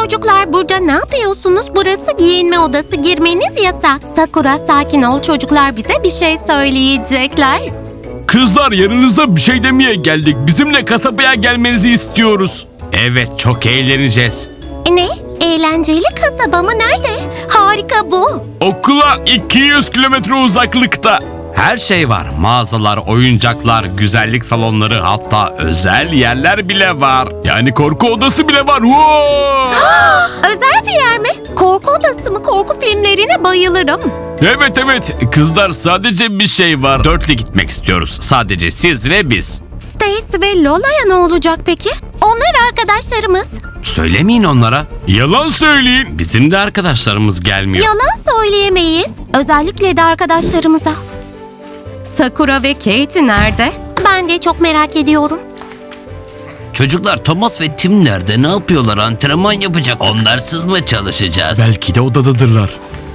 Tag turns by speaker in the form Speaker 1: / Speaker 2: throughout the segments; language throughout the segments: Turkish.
Speaker 1: Çocuklar burada ne yapıyorsunuz? Burası giyinme odası, girmeniz yasak. Sakura sakin ol, çocuklar bize bir şey söyleyecekler.
Speaker 2: Kızlar yanınızda bir şey demeye geldik. Bizimle kasabaya gelmenizi istiyoruz. Evet çok eğleneceğiz.
Speaker 1: Ne? Eğlenceli kasaba mı? Nerede? Harika bu.
Speaker 2: Okula 200 kilometre uzaklıkta. Her şey var. Mağazalar, oyuncaklar, güzellik salonları, hatta özel yerler bile var. Yani korku odası bile var. Wow!
Speaker 1: Özel bir yer mi? Korku odası mı? Korku filmlerine bayılırım.
Speaker 2: Evet. Kızlar sadece bir şey var. Dörtlü gitmek istiyoruz. Sadece siz ve biz.
Speaker 1: Stacy ve Lola'ya ne olacak peki? Onlar arkadaşlarımız.
Speaker 2: Söylemeyin onlara. Yalan söyleyin. Bizim de arkadaşlarımız gelmiyor.
Speaker 1: Yalan söyleyemeyiz. Özellikle de arkadaşlarımıza. Sakura ve Kate nerede? Ben de çok merak ediyorum.
Speaker 3: Çocuklar Thomas ve Tim nerede? Ne yapıyorlar? Antrenman yapacak. Onlarsız mı çalışacağız?
Speaker 2: Belki de odadadırlar.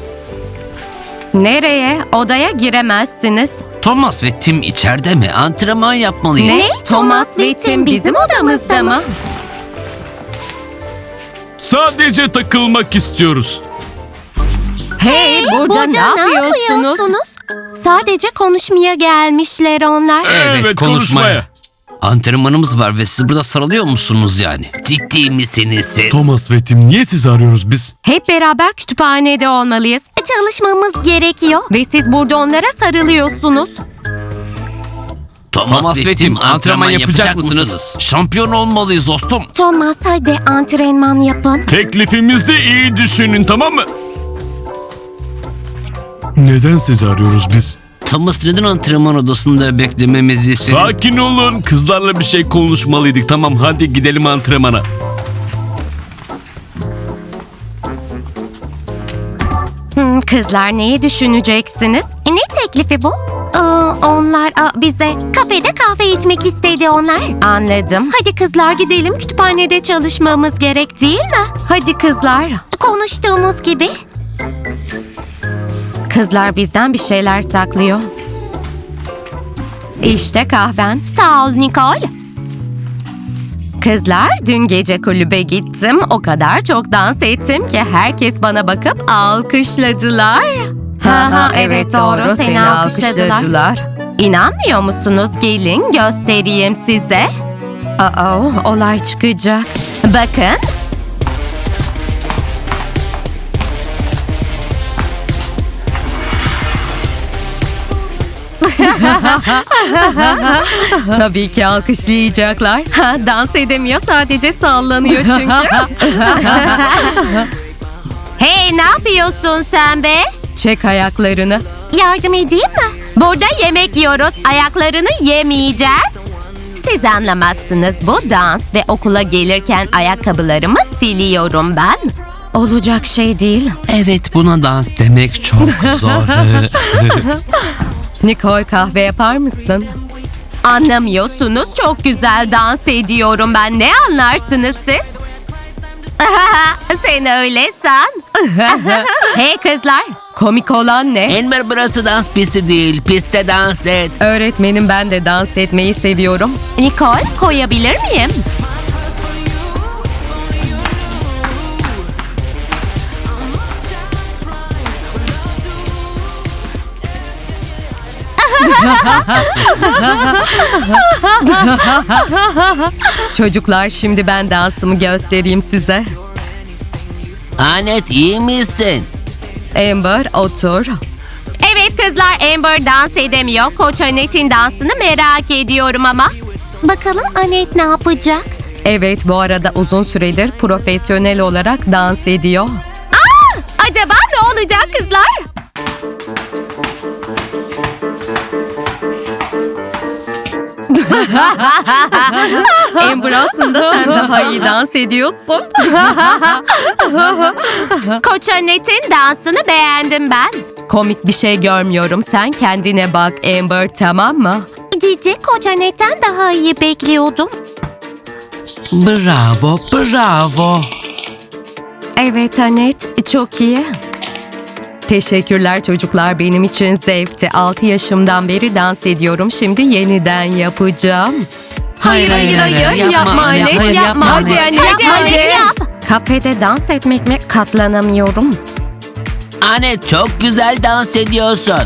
Speaker 1: Nereye? Odaya giremezsiniz.
Speaker 3: Thomas ve Tim içeride mi? Antrenman yapmalıyız.
Speaker 1: Ne? Thomas ve Tim bizim odamızda mı?
Speaker 2: Sadece takılmak istiyoruz.
Speaker 1: Hey, burada ne yapıyorsunuz? Sadece konuşmaya gelmişler onlar.
Speaker 2: Evet, konuşmaya.
Speaker 3: Antrenmanımız var ve siz burada sarılıyor musunuz yani? Ciddi misiniz siz?
Speaker 2: Thomas ve Tim niye sizi arıyoruz biz?
Speaker 1: Hep beraber kütüphanede olmalıyız. Çalışmamız gerekiyor. Ve siz burada onlara sarılıyorsunuz.
Speaker 3: Thomas ve Tim antrenman yapacak mısınız? Şampiyon olmalıyız dostum.
Speaker 1: Thomas hadi antrenman yapın.
Speaker 2: Teklifimizi iyi düşünün, tamam mı? Neden sizi arıyoruz biz?
Speaker 3: Thomas neden antrenman odasında beklememizi istedi?
Speaker 2: Sakin olun. Kızlarla bir şey konuşmalıydık. Tamam hadi gidelim antrenmana.
Speaker 1: Kızlar neyi düşüneceksiniz? Ne teklifi bu? Onlar bize kafede kahve içmek istedi onlar. Anladım. Hadi kızlar gidelim, kütüphanede çalışmamız gerek değil mi? Hadi kızlar. Konuştuğumuz gibi. Kızlar bizden bir şeyler saklıyor. İşte kahven. Sağ ol Nicole. Kızlar dün gece kulübe gittim. O kadar çok dans ettim ki herkes bana bakıp alkışladılar. Ha evet doğru seni alkışladılar. İnanmıyor musunuz? Gelin göstereyim size. Olay çıkacak. Bakın. Tabii ki alkışlayacaklar. Dans edemiyor, sadece sallanıyor çünkü. Hey, ne yapıyorsun sen be? Çek ayaklarını. Yardım edeyim mi? Burada yemek yiyoruz, ayaklarını yemeyeceğiz. Siz anlamazsınız, bu dans ve okula gelirken ayakkabılarımı siliyorum ben. Olacak şey değil.
Speaker 3: Evet, buna dans demek çok zor.
Speaker 1: Nicole, kahve yapar mısın? Anlamıyorsunuz, çok güzel dans ediyorum ben. Ne anlarsınız siz? Sen öyle san. Hey kızlar, komik olan ne?
Speaker 3: Amber, burası dans pisti değil, pistte dans et.
Speaker 1: Öğretmenim, ben de dans etmeyi seviyorum. Nicole, koyabilir miyim? Çocuklar, şimdi ben dansımı göstereyim size.
Speaker 3: Anet, iyi misin?
Speaker 1: Amber, otur. Evet kızlar, Amber dans edemiyor. Koç Annette'in dansını merak ediyorum ama. Bakalım Annette ne yapacak? Evet, bu arada uzun süredir profesyonel olarak dans ediyor. Acaba ne olacak kızlar? Amber, aslında sen daha iyi dans ediyorsun. Koç Annette'in dansını beğendim ben. Komik bir şey görmüyorum. Sen kendine bak Amber, tamam mı? Cici, Koç Annette'den daha iyi bekliyordum.
Speaker 3: Bravo, bravo.
Speaker 1: Evet Annette, çok iyi. Teşekkürler çocuklar, benim için zevkti. 6 yaşımdan beri dans ediyorum. Şimdi yeniden yapacağım. Hayır, yapma Annette, yapma. Hadi Annette, hadi. Kafede dans etmek mi? Katlanamıyorum.
Speaker 3: Anne çok güzel dans ediyorsun.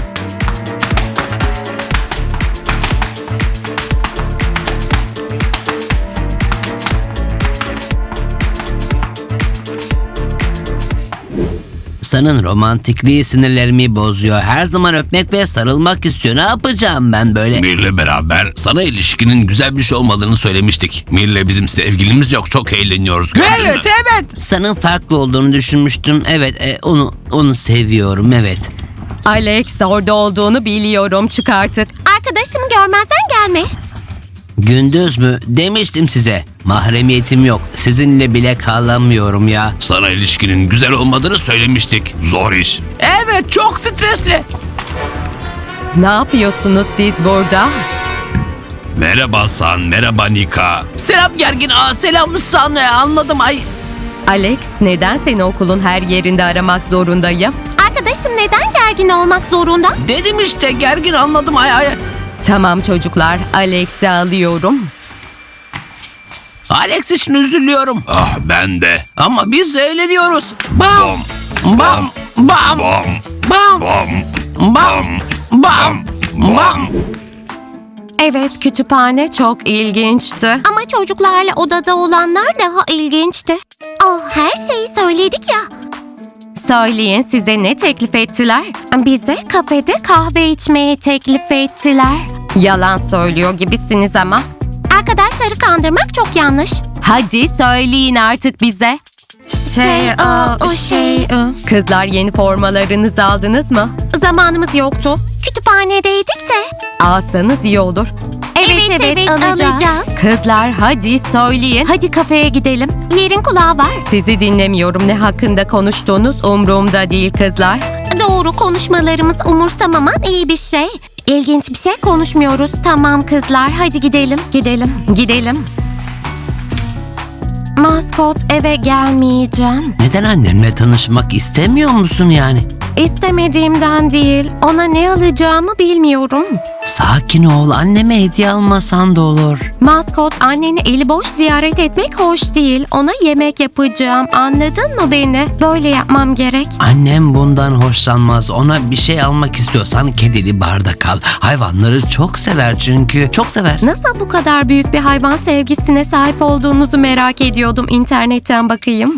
Speaker 3: Sanın romantikliği sinirlerimi bozuyor. Her zaman öpmek ve sarılmak istiyor. Ne yapacağım ben böyle?
Speaker 2: Mir'le beraber sana ilişkinin güzel bir şey olmadığını söylemiştik. Mir'le bizim sevgilimiz yok. Çok eğleniyoruz.
Speaker 3: Evet. Sanın farklı olduğunu düşünmüştüm. Evet, onu seviyorum, evet.
Speaker 1: Alex, orada olduğunu biliyorum. Çık artık.
Speaker 4: Arkadaşım görmezden gelme.
Speaker 3: Gündüz mü? Demiştim size. Mahremiyetim yok. Sizinle bile kalamıyorum ya.
Speaker 2: Sana ilişkinin güzel olmadığını söylemiştik. Zor iş.
Speaker 3: Evet, çok stresli.
Speaker 1: Ne yapıyorsunuz siz burada?
Speaker 2: Merhaba San, merhaba Nika.
Speaker 3: Selam gergin. Selam sana. Anladım. Ay.
Speaker 1: Alex, neden seni okulun her yerinde aramak zorundayım?
Speaker 4: Arkadaşım neden gergin olmak zorunda?
Speaker 3: Dedim işte gergin, anladım. Ay.
Speaker 1: Tamam çocuklar, Alex'i alıyorum.
Speaker 3: Alex için üzülüyorum.
Speaker 2: Ah ben de.
Speaker 3: Ama biz eğleniyoruz. Bam.
Speaker 2: Bom,
Speaker 3: Bam. Bam.
Speaker 2: bom,
Speaker 3: Bam.
Speaker 2: bom,
Speaker 3: Bam. Bam. Bam.
Speaker 1: Evet, kütüphane çok ilginçti.
Speaker 4: Ama çocuklarla odada olanlar daha ilginçti. Her şeyi söyledik ya.
Speaker 1: Söyleyin, size ne teklif ettiler?
Speaker 4: Bize kafede kahve içmeye teklif ettiler.
Speaker 1: Yalan söylüyor gibisiniz ama.
Speaker 4: Arkadaşları kandırmak çok yanlış.
Speaker 1: Hadi söyleyin artık bize. Kızlar, yeni formalarınızı aldınız mı?
Speaker 4: Zamanımız yoktu. Kütüphanedeydik de.
Speaker 1: Alsanız iyi olur.
Speaker 4: Evet, alacağız.
Speaker 1: Kızlar, hadi söyleyin.
Speaker 4: Hadi kafeye gidelim. Yerin kulağı var.
Speaker 1: Sizi dinlemiyorum. Ne hakkında konuştuğunuz umurumda değil kızlar.
Speaker 4: Doğru, konuşmalarımız umursamaman iyi bir şey. İlginç bir şey konuşmuyoruz. Tamam kızlar, hadi gidelim.
Speaker 1: Gidelim.
Speaker 4: Maskot, eve gelmeyeceğim.
Speaker 3: Neden annemle tanışmak istemiyor musun yani?
Speaker 4: İstemediğimden değil, ona ne alacağımı bilmiyorum.
Speaker 3: Sakin ol, anneme hediye almasan da olur.
Speaker 4: Maskot, anneni eli boş ziyaret etmek hoş değil. Ona yemek yapacağım, anladın mı beni? Böyle yapmam gerek.
Speaker 3: Annem bundan hoşlanmaz. Ona bir şey almak istiyorsan kedili bardak al. Hayvanları çok sever çünkü. Çok sever.
Speaker 1: Nasıl bu kadar büyük bir hayvan sevgisine sahip olduğunuzu merak ediyordum. İnternetten bakayım.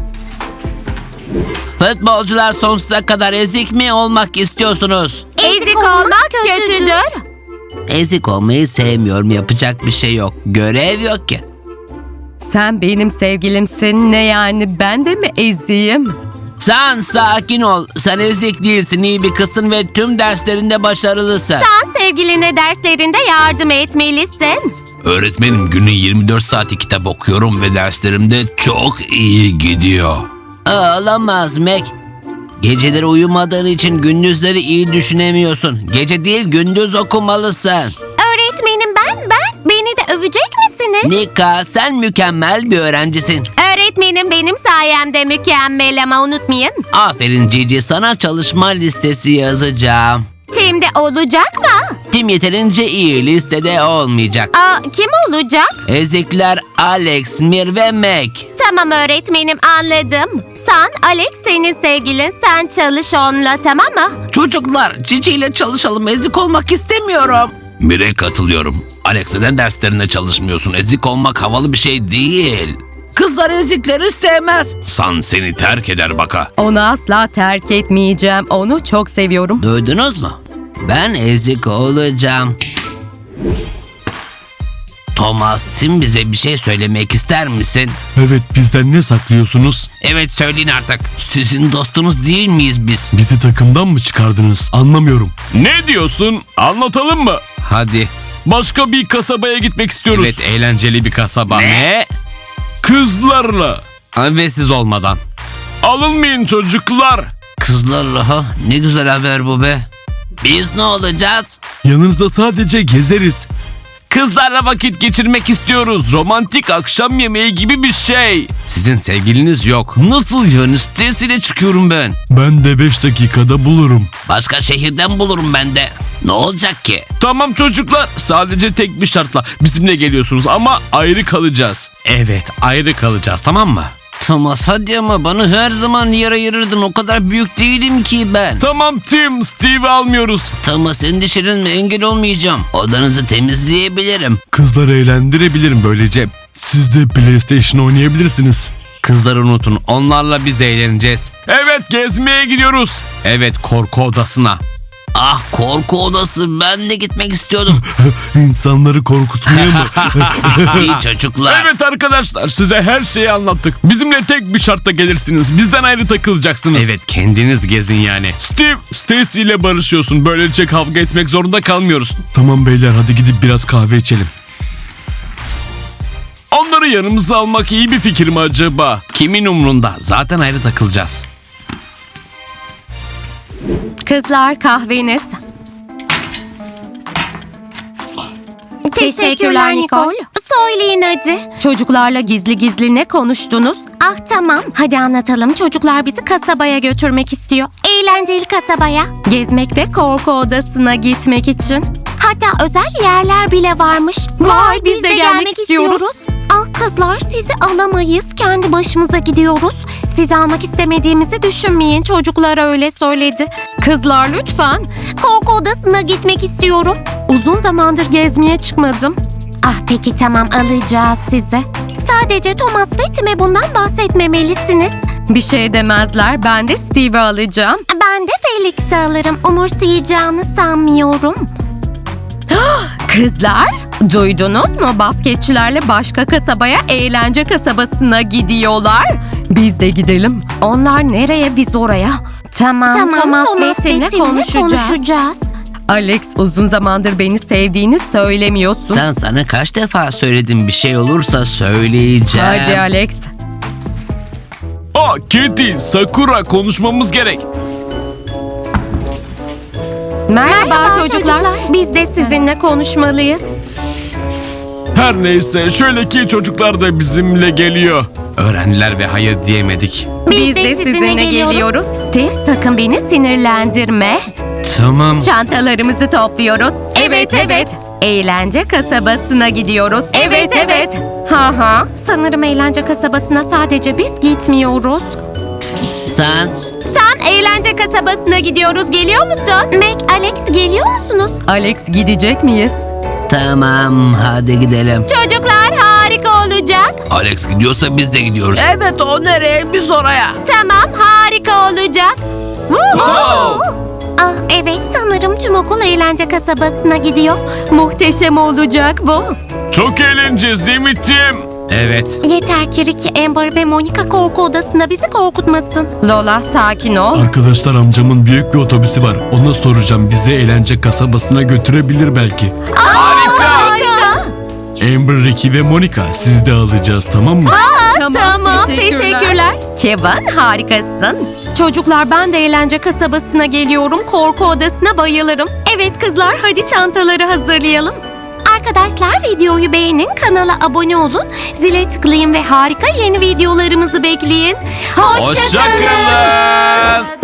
Speaker 3: Futbolcular sonsuza kadar ezik mi olmak istiyorsunuz?
Speaker 4: Ezik olmak kötüdür.
Speaker 3: Ezik olmayı sevmiyorum. Yapacak bir şey yok. Görev yok ki.
Speaker 1: Sen benim sevgilimsin. Ne yani, ben de mi eziyim?
Speaker 3: Sen sakin ol. Sen ezik değilsin. İyi bir kızsın ve tüm derslerinde başarılısın.
Speaker 4: Sen sevgiline derslerinde yardım etmelisin.
Speaker 2: Öğretmenim, günün 24 saati kitap okuyorum ve derslerimde çok iyi gidiyor.
Speaker 3: Olamaz Mac. Geceleri uyumadığın için gündüzleri iyi düşünemiyorsun. Gece değil, gündüz okumalısın.
Speaker 4: Öğretmenim beni de övecek misiniz?
Speaker 3: Nika, sen mükemmel bir öğrencisin.
Speaker 4: Öğretmenim benim sayemde mükemmel ama unutmayın.
Speaker 3: Aferin Cici, sana çalışma listesi yazacağım.
Speaker 4: Tim'de olacak mı?
Speaker 3: Tim yeterince iyi, listede olmayacak.
Speaker 4: Kim olacak?
Speaker 3: Ezikler Alex, Mir ve Mac.
Speaker 4: Tamam öğretmenim, anladım. Sen, Alex senin sevgilin, sen çalış onunla, tamam mı?
Speaker 3: Çocuklar, Cici ile çalışalım, ezik olmak istemiyorum.
Speaker 2: Mir'e katılıyorum. Alex, neden derslerinde çalışmıyorsun? Ezik olmak havalı bir şey değil.
Speaker 3: Kızlar ezikleri sevmez.
Speaker 2: San seni terk eder baka.
Speaker 1: Onu asla terk etmeyeceğim. Onu çok seviyorum.
Speaker 3: Duydunuz mu? Ben ezik olacağım. Thomas, Tim bize bir şey söylemek ister misin?
Speaker 5: Evet, bizden ne saklıyorsunuz?
Speaker 3: Evet, söyleyin artık. Sizin dostunuz değil miyiz biz?
Speaker 5: Bizi takımdan mı çıkardınız? Anlamıyorum.
Speaker 2: Ne diyorsun? Anlatalım mı?
Speaker 3: Hadi.
Speaker 2: Başka bir kasabaya gitmek istiyoruz.
Speaker 3: Evet,
Speaker 2: eğlenceli bir kasaba.
Speaker 3: Ne?
Speaker 2: Kızlarla.
Speaker 3: Ve siz olmadan.
Speaker 2: Alınmayın çocuklar.
Speaker 3: Kızlarla ha? Ne güzel haber bu be. Biz ne olacağız?
Speaker 5: Yanınızda sadece gezeriz.
Speaker 2: Kızlarla vakit geçirmek istiyoruz. Romantik akşam yemeği gibi bir şey.
Speaker 3: Sizin sevgiliniz yok. Nasıl yani? Stresiyle çıkıyorum ben.
Speaker 5: Ben de 5 dakikada bulurum.
Speaker 3: Başka şehirden bulurum ben de. Ne olacak ki?
Speaker 2: Tamam çocuklar, sadece tek bir şartla bizimle geliyorsunuz ama ayrı kalacağız.
Speaker 3: Evet, ayrı kalacağız, tamam mı? Thomas hadi ama bana her zaman yer ayırırdın. O kadar büyük değilim ki ben.
Speaker 2: Tamam Tim, Steve'i almıyoruz.
Speaker 3: Thomas endişelenme, engel olmayacağım. Odanızı temizleyebilirim.
Speaker 5: Kızları eğlendirebilirim böylece. Siz de PlayStation oynayabilirsiniz.
Speaker 2: Kızları unutun, onlarla biz eğleneceğiz. Evet, gezmeye gidiyoruz. Evet, korku odasına.
Speaker 3: Ah, korku odası, ben de gitmek istiyordum.
Speaker 5: İnsanları korkutmaya mı?
Speaker 3: İyi çocuklar.
Speaker 2: Evet arkadaşlar, size her şeyi anlattık. Bizimle tek bir şartla gelirsiniz. Bizden ayrı takılacaksınız. Evet, kendiniz gezin yani. Steve, Stacy ile barışıyorsun. Böylece kavga etmek zorunda kalmıyoruz.
Speaker 5: Tamam beyler, hadi gidip biraz kahve içelim.
Speaker 2: Onları yanımıza almak iyi bir fikir mi acaba? Kimin umrunda? Zaten ayrı takılacağız.
Speaker 1: Kızlar, kahveniz.
Speaker 4: Teşekkürler Nicole. Söyleyin hadi.
Speaker 1: Çocuklarla gizli gizli ne konuştunuz?
Speaker 4: Ah tamam. Hadi anlatalım. Çocuklar bizi kasabaya götürmek istiyor. Eğlenceli kasabaya.
Speaker 1: Gezmek ve korku odasına gitmek için.
Speaker 4: Hatta özel yerler bile varmış.
Speaker 1: Vay, biz de gelmek istiyoruz.
Speaker 4: Ah kızlar, sizi alamayız. Kendi başımıza gidiyoruz. Sizi almak istemediğimizi düşünmeyin.
Speaker 1: Çocuklar öyle söyledi. Kızlar lütfen.
Speaker 4: Korku odasına gitmek istiyorum.
Speaker 1: Uzun zamandır gezmeye çıkmadım.
Speaker 4: Ah peki tamam, alacağız sizi. Sadece Thomas ve Tim'e bundan bahsetmemelisiniz.
Speaker 1: Bir şey demezler. Ben de Steve'i alacağım.
Speaker 4: Ben de Felix'i alırım. Umursayacağını sanmıyorum.
Speaker 1: Kızlar, duydunuz mu? Basketçilerle başka kasabaya, eğlence kasabasına gidiyorlar. Biz de gidelim. Onlar nereye, biz oraya. Tamam, Thomas ve Tim'le konuşacağız. Alex, uzun zamandır beni sevdiğini söylemiyorsun.
Speaker 3: Sen sana kaç defa söyledim, bir şey olursa söyleyeceğim.
Speaker 1: Hadi Alex.
Speaker 2: Kitty, Sakura, konuşmamız gerek.
Speaker 1: Merhaba çocuklar.
Speaker 4: Biz de
Speaker 1: Sizinle konuşmalıyız.
Speaker 2: Her neyse, şöyle ki çocuklar da bizimle geliyor. Öğrendiler ve hayır diyemedik.
Speaker 1: Biz de sizinle geliyoruz. Steve, sakın beni sinirlendirme.
Speaker 3: Tamam.
Speaker 1: Çantalarımızı topluyoruz. Evet. Eğlence kasabasına gidiyoruz. Evet. Ha.
Speaker 4: Sanırım eğlence kasabasına sadece biz gitmiyoruz.
Speaker 3: Sen
Speaker 1: Eğlence kasabasına gidiyoruz. Geliyor musun?
Speaker 4: Mac, Alex geliyor musunuz?
Speaker 1: Alex, gidecek miyiz?
Speaker 3: tamam, hadi gidelim.
Speaker 1: Çocuklar, harika olacak.
Speaker 3: Alex gidiyorsa biz de gidiyoruz. Evet, o nereye, biz oraya.
Speaker 1: Tamam, harika olacak.
Speaker 4: Ah evet, sanırım tüm okul eğlence kasabasına gidiyor.
Speaker 1: Muhteşem olacak bu.
Speaker 2: Çok eğleneceğiz değil mi Tim? Evet.
Speaker 4: Yeter ki Ricky, Amber ve Monica korku odasında bizi korkutmasın.
Speaker 1: Lola, sakin ol.
Speaker 5: Arkadaşlar, amcamın büyük bir otobüsü var. Ona soracağım, bizi eğlence kasabasına götürebilir belki.
Speaker 1: Harika.
Speaker 5: Amber, Ricky ve Monica, siz de alacağız, tamam mı?
Speaker 1: Tamam, teşekkürler. Kevin, harikasın. Çocuklar, ben de eğlence kasabasına geliyorum. Korku odasına bayılırım. Evet kızlar, hadi çantaları hazırlayalım.
Speaker 4: Arkadaşlar, videoyu beğenin, kanala abone olun, zile tıklayın ve harika yeni videolarımızı bekleyin.
Speaker 2: Hoşça kalın.